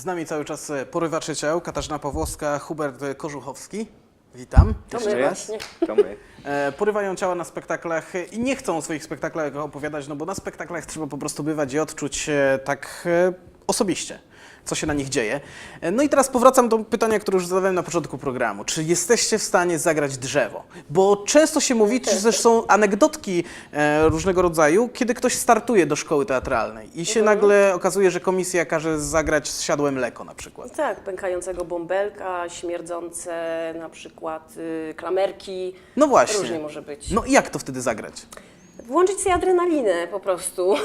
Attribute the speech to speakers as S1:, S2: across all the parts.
S1: Z nami cały czas porywacze ciał, Katarzyna Pawłowska, Hubert Kożuchowski. Witam.
S2: To
S1: Jeszcze
S2: my
S1: raz.
S2: właśnie.
S3: To my.
S1: Porywają ciała na spektaklach i nie chcą o swoich spektaklach opowiadać, no bo na spektaklach trzeba po prostu bywać i odczuć tak osobiście, co się na nich dzieje. No i teraz powracam do pytania, które już zadawałem na początku programu. Czy jesteście w stanie zagrać drzewo? Bo często się mówi, czy też są anegdotki różnego rodzaju, kiedy ktoś startuje do szkoły teatralnej i się nagle okazuje, że komisja każe zagrać zsiadłe mleko na przykład.
S2: Tak, pękającego bąbelka, śmierdzące na przykład klamerki.
S1: No właśnie.
S2: Różnie może być.
S1: No i jak to wtedy zagrać?
S2: Włączyć sobie adrenalinę po prostu,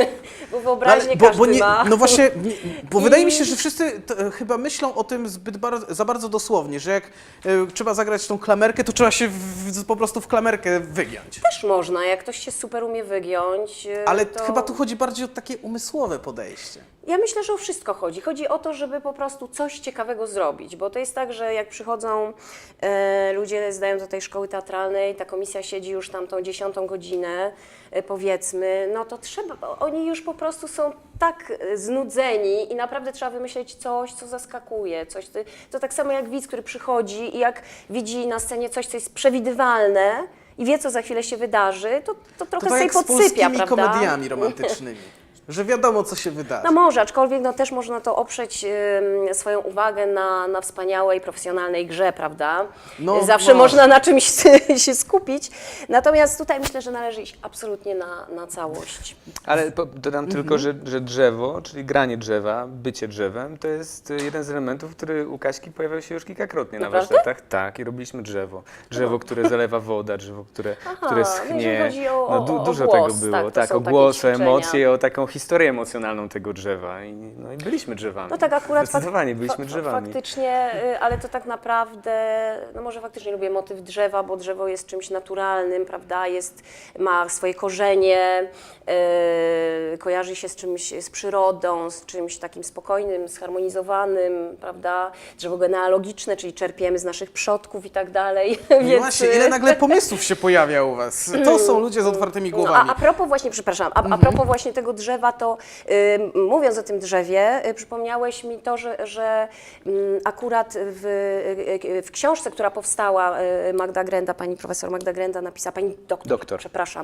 S2: bo wyobraźnię
S1: bo
S2: każdy
S1: nie,
S2: ma.
S1: no właśnie, bo wydaje mi
S2: I-
S1: się, że wszyscy chyba myślą o tym za bardzo dosłownie, że jak trzeba zagrać tą klamerkę, to trzeba się po prostu w klamerkę wygiąć.
S2: Też można, jak ktoś się super umie wygiąć.
S1: Ale
S2: to...
S1: chyba tu chodzi bardziej o takie umysłowe podejście.
S2: Ja myślę, że o wszystko chodzi. Chodzi o to, żeby po prostu coś ciekawego zrobić, bo to jest tak, że jak przychodzą ludzie, zdają do tej szkoły teatralnej, ta komisja siedzi już tam tą 10. godzinę, powiedzmy, no to trzeba, bo oni już po prostu są tak znudzeni i naprawdę trzeba wymyśleć coś, co zaskakuje, coś, to tak samo jak widz, który przychodzi i jak widzi na scenie coś, co jest przewidywalne i wie, co za chwilę się wydarzy, to trochę
S1: To tak
S2: sobie
S1: jak z
S2: podsypia,
S1: polskimi
S2: prawda?
S1: komediami romantycznymi, że wiadomo, co się wydarzy.
S2: No może, aczkolwiek no, też można to oprzeć swoją uwagę na wspaniałej, profesjonalnej grze, prawda?
S1: No,
S2: Zawsze
S1: może.
S2: można na czymś się skupić. Natomiast tutaj myślę, że należy iść absolutnie na całość.
S3: Ale dodam tylko, że drzewo, czyli granie drzewa, bycie drzewem, to jest jeden z elementów, który u Kaśki pojawiał się już kilkakrotnie na
S2: Naprawdę?
S3: warsztatach. Tak, i robiliśmy drzewo. Drzewo, które zalewa woda, drzewo, które
S2: No jeżeli
S3: schnie.
S2: chodzi o
S3: Dużo
S2: głos,
S3: tego było.
S2: to
S3: Tak,
S2: są
S3: o
S2: takie
S3: głos, o
S2: ćwiczenia.
S3: emocje, o taką historię emocjonalną tego drzewa. I byliśmy drzewami.
S2: No tak akurat
S3: Zdecydowanie byliśmy drzewami.
S2: Faktycznie, ale to tak naprawdę, no może faktycznie lubię motyw drzewa, bo drzewo jest czymś naturalnym, prawda, ma swoje korzenie, kojarzy się z czymś, z przyrodą, z czymś takim spokojnym, zharmonizowanym, prawda, drzewo genealogiczne, czyli czerpiemy z naszych przodków i tak dalej,
S1: No
S2: więc...
S1: właśnie, ile nagle pomysłów się pojawia u was. To są ludzie z otwartymi
S2: No,
S1: głowami.
S2: a propos właśnie, przepraszam, a propos właśnie tego drzewa, to mówiąc o tym drzewie, przypomniałeś mi to, że akurat w książce, która powstała, Magda Grenda, pani profesor Magda Grenda napisała, pani doktor. Przepraszam,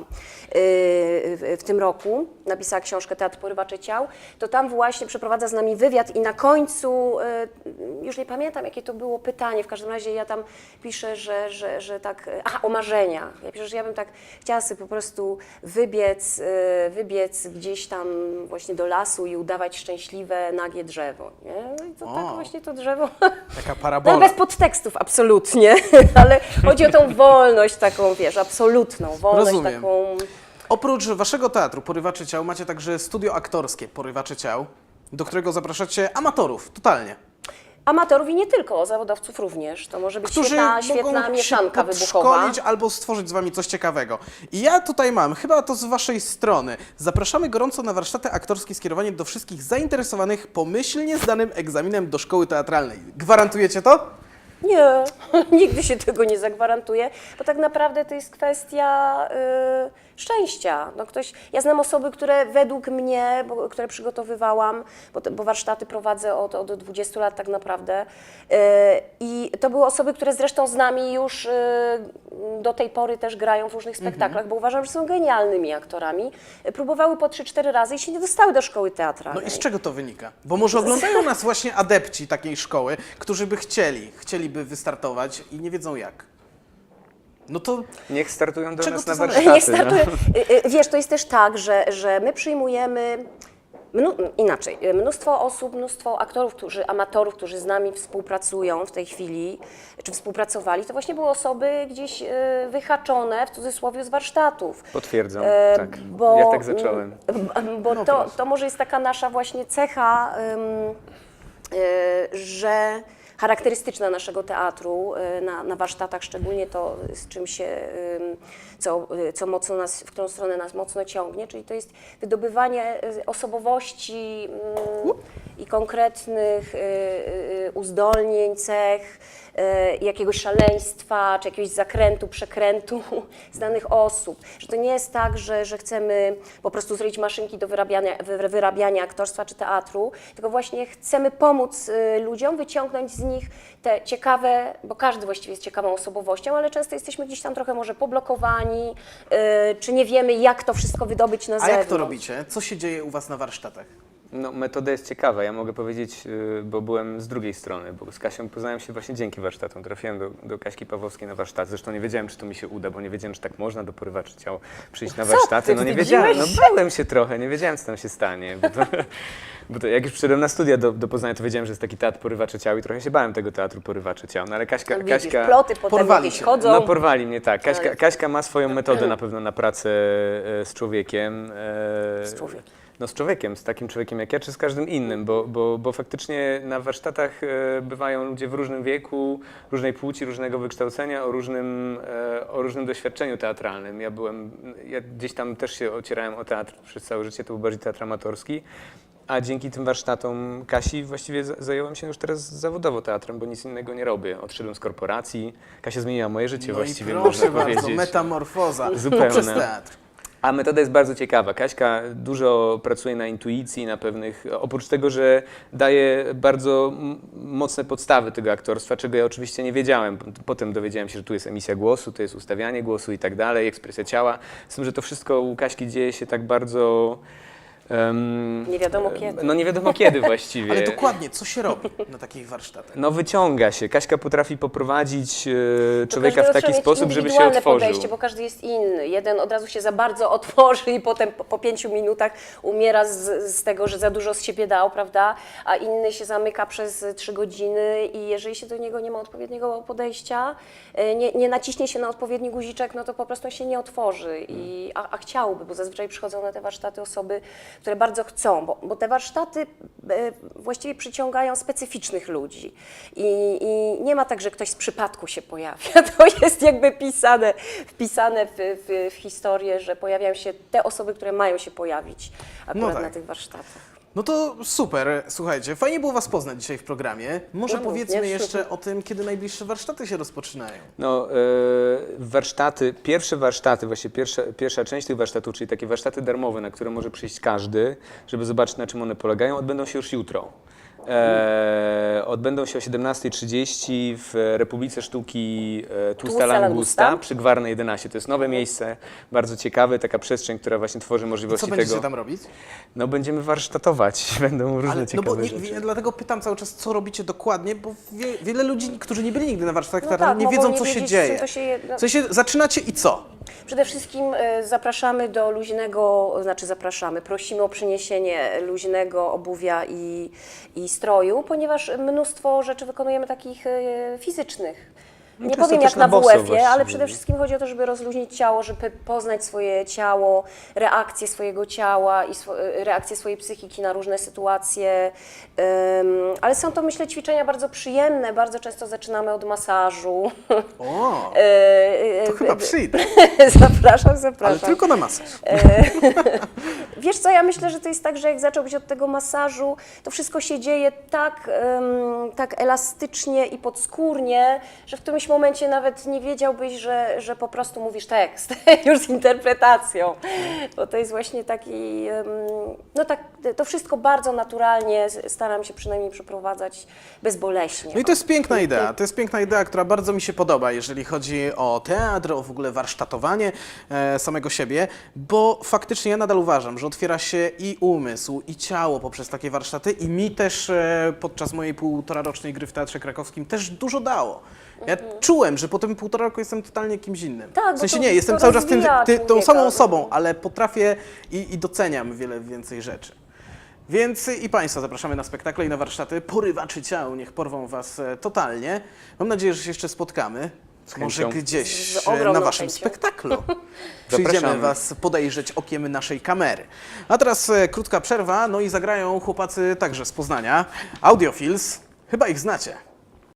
S2: w tym roku napisała książkę Teatr Porywaczy Ciał, to tam właśnie przeprowadza z nami wywiad i na końcu, już nie pamiętam jakie to było pytanie, w każdym razie ja tam piszę, że tak, o marzeniach. Ja piszę, że ja bym tak chciała sobie po prostu wybiec gdzieś tam właśnie do lasu i udawać szczęśliwe, nagie drzewo. Nie? No i to tak właśnie to drzewo,
S1: Taka
S2: no
S1: parabola.
S2: bez podtekstów absolutnie, ale chodzi o tą wolność taką, wiesz, absolutną wolność
S1: Rozumiem.
S2: taką.
S1: Oprócz waszego teatru Porywaczy Ciał macie także studio aktorskie Porywaczy Ciał, do którego zapraszacie amatorów, totalnie.
S2: Amatorów i nie tylko, zawodowców również. To może być
S1: Którzy
S2: świetna
S1: mogą
S2: mieszanka
S1: się
S2: wybuchowa.
S1: podszkolić albo stworzyć z wami coś ciekawego. I ja tutaj mam, chyba to z waszej strony, zapraszamy gorąco na warsztaty aktorskie skierowane do wszystkich zainteresowanych pomyślnie zdanym egzaminem do szkoły teatralnej. Gwarantujecie to?
S2: Nie, nigdy się tego nie zagwarantuje, bo tak naprawdę to jest kwestia szczęścia. No ja znam osoby, które według mnie, które przygotowywałam, bo warsztaty prowadzę od 20 lat tak naprawdę, i to były osoby, które zresztą z nami już do tej pory też grają w różnych spektaklach, bo uważam, że są genialnymi aktorami. Próbowały po 3-4 razy i się nie dostały do szkoły
S1: No
S2: teatralnej.
S1: i z czego to wynika? Bo może oglądają nas właśnie adepci takiej szkoły, którzy by chcieliby wystartować i nie wiedzą jak. No to
S3: Niech startują do
S1: Czego
S3: nas
S1: to
S3: na
S1: zależy?
S3: warsztaty.
S2: Niech startuje. Wiesz, to jest też tak, że my przyjmujemy inaczej. Mnóstwo osób, mnóstwo aktorów, amatorów, którzy z nami współpracują w tej chwili, czy współpracowali, to właśnie były osoby gdzieś wyhaczone, w cudzysłowie, z warsztatów.
S3: Potwierdzam, tak.
S2: Bo,
S3: Ja tak zacząłem.
S2: Bo
S1: No
S2: to może jest taka nasza właśnie cecha, że charakterystyczna naszego teatru, na warsztatach szczególnie to, z czym się, co mocno nas, w którą stronę nas mocno ciągnie, czyli to jest wydobywanie osobowości i konkretnych uzdolnień, cech, jakiegoś szaleństwa, czy jakiegoś zakrętu, przekrętu z danych osób. Że to nie jest tak, że chcemy po prostu zrobić maszynki do wyrabiania aktorstwa czy teatru, tylko właśnie chcemy pomóc ludziom wyciągnąć z nich te ciekawe, bo każdy właściwie jest ciekawą osobowością, ale często jesteśmy gdzieś tam trochę może poblokowani, czy nie wiemy, jak to wszystko wydobyć na
S1: A
S2: zewnątrz.
S1: jak to robicie? Co się dzieje u was na warsztatach?
S3: No, metoda jest ciekawa, ja mogę powiedzieć, bo byłem z drugiej strony, bo z Kasią poznałem się właśnie dzięki warsztatom. Trafiłem do Kaśki Pawłowskiej na warsztat, zresztą nie wiedziałem, czy to mi się uda, bo nie wiedziałem, czy tak można do porywaczy ciał przyjść na
S2: Co
S3: warsztaty.
S2: ty,
S3: No nie
S2: wstydziłeś
S3: wiedziałem, no bałem się trochę, nie wiedziałem, co tam się stanie. Bo to jak już przyszedłem na studia do Poznania, to wiedziałem, że jest taki teatr porywaczy ciał i trochę się bałem tego teatru porywaczy ciał. No ale
S2: No widzisz, ploty potem
S1: porwali
S2: jakieś
S1: cię.
S2: chodzą.
S3: no porwali mnie, tak.
S2: Ale-
S3: Kaśka ma swoją metodę na pewno na pracę z człowiekiem.
S2: Z człowiekiem.
S3: No z człowiekiem, z takim człowiekiem jak ja, czy z każdym innym, bo faktycznie na warsztatach bywają ludzie w różnym wieku, różnej płci, różnego wykształcenia, o różnym doświadczeniu teatralnym. Ja gdzieś tam też się ocierałem o teatr przez całe życie, to był bardziej teatr amatorski. A dzięki tym warsztatom Kasi właściwie zająłem się już teraz zawodowo teatrem, bo nic innego nie robię. Odszedłem z korporacji. Kasia zmieniła moje życie
S1: No
S3: właściwie,
S1: i proszę
S3: można
S1: bardzo,
S3: powiedzieć.
S1: metamorfoza
S3: Zupełna.
S1: przez teatr.
S3: A metoda jest bardzo ciekawa. Kaśka dużo pracuje na intuicji, na pewnych, oprócz tego, że daje bardzo mocne podstawy tego aktorstwa, czego ja oczywiście nie wiedziałem. Potem dowiedziałem się, że tu jest emisja głosu, to jest ustawianie głosu i tak dalej, ekspresja ciała. Z tym, że to wszystko u Kaśki dzieje się tak bardzo...
S2: Nie wiadomo kiedy.
S3: No nie wiadomo kiedy właściwie.
S1: Ale dokładnie, co się robi na takich warsztatach?
S3: No wyciąga się. Kaśka potrafi poprowadzić
S2: To
S3: człowieka w
S2: każdego
S3: taki
S2: trzeba
S3: sposób,
S2: mieć
S3: żeby się
S2: indywidualne
S3: otworzył.
S2: podejście, bo każdy jest inny. Jeden od razu się za bardzo otworzy i potem po 5 minutach umiera z tego, że za dużo z siebie dał, prawda? A inny się zamyka przez 3 godziny i jeżeli się do niego nie ma odpowiedniego podejścia, nie naciśnie się na odpowiedni guziczek, no to po prostu się nie otworzy. A chciałby, bo zazwyczaj przychodzą na te warsztaty osoby, które bardzo chcą, bo te warsztaty właściwie przyciągają specyficznych ludzi. I nie ma tak, że ktoś z przypadku się pojawia. To jest jakby wpisane w historię, że pojawiają się te osoby, które mają się pojawić akurat
S1: tak.
S2: na tych warsztatach.
S1: No to super, słuchajcie, fajnie było was poznać dzisiaj w programie. Może
S2: No,
S1: powiedzmy
S2: również.
S1: jeszcze o tym, kiedy najbliższe warsztaty się rozpoczynają.
S3: No, pierwsze warsztaty, właśnie pierwsza część tych warsztatów, czyli takie warsztaty darmowe, na które może przyjść każdy, żeby zobaczyć, na czym one polegają, odbędą się już jutro. Odbędą się o 17:30 w Republice Sztuki Tłusta Langusta przy Gwarnej 11. To jest nowe miejsce, bardzo ciekawe, taka przestrzeń, która właśnie tworzy
S1: Co
S3: możliwości
S1: będziecie
S3: tego.
S1: tam robić?
S3: No będziemy warsztatować, będą różne
S1: Ale, no
S3: ciekawe
S1: bo
S3: rzeczy.
S1: dlatego pytam cały czas, co robicie dokładnie, bo wiele ludzi, którzy nie byli nigdy na warsztatach
S2: No
S1: teatralnych,
S2: tak,
S1: nie
S2: mogą
S1: wiedzą,
S2: nie
S1: co się
S2: wiedzieć, z czym
S1: dzieje.
S2: to się
S1: W sensie, zaczynacie i co?
S2: Przede wszystkim zapraszamy do luźnego, prosimy o przyniesienie luźnego obuwia i stroju, ponieważ mnóstwo rzeczy wykonujemy takich fizycznych. Nie
S3: często
S2: powiem
S3: też
S2: jak
S3: na
S2: na
S3: boso
S2: WF-ie,
S3: właściwie.
S2: ale przede wszystkim chodzi o to, żeby rozluźnić ciało, żeby poznać swoje ciało, reakcje swojego ciała i reakcje swojej psychiki na różne sytuacje. Ale są to, myślę, ćwiczenia bardzo przyjemne. Bardzo często zaczynamy od masażu.
S1: O, to chyba przyjdę,
S2: Zapraszam.
S1: ale tylko na masaż.
S2: Wiesz co, ja myślę, że to jest tak, że jak zacząłbyś od tego masażu, to wszystko się dzieje tak elastycznie i podskórnie, że w którymś momencie nawet nie wiedziałbyś, że po prostu mówisz tekst już z interpretacją. Bo to jest właśnie taki, no tak, to wszystko bardzo naturalnie staram się przynajmniej przeprowadzać bezboleśnie.
S1: No i to jest piękna idea. To jest piękna idea, która bardzo mi się podoba, jeżeli chodzi o teatr, o w ogóle warsztatowanie samego siebie, bo faktycznie ja nadal uważam, że otwiera się i umysł, i ciało poprzez takie warsztaty i mi też podczas mojej półtorarocznej gry w Teatrze Krakowskim też dużo dało. Ja czułem, że po tym 1,5 roku jestem totalnie kimś innym.
S2: Tak,
S1: w
S2: bo
S1: sensie
S2: to-
S1: nie, jestem
S2: to
S1: cały czas
S2: rozwija
S1: tą
S2: człowieka.
S1: samą osobą, ale potrafię i doceniam wiele więcej rzeczy. Więc i Państwa zapraszamy na spektakle i na warsztaty. Porywaczy ciał, niech porwą Was totalnie. Mam nadzieję, że się jeszcze spotkamy. Może
S3: chęcią.
S1: gdzieś
S2: Z ogromną
S1: na Waszym
S2: chęcią.
S1: spektaklu. Przyjdziemy
S3: Zapraszamy.
S1: Was podejrzeć okiem naszej kamery. A teraz krótka przerwa, no i zagrają chłopacy także z Poznania. Audiofils, chyba ich znacie.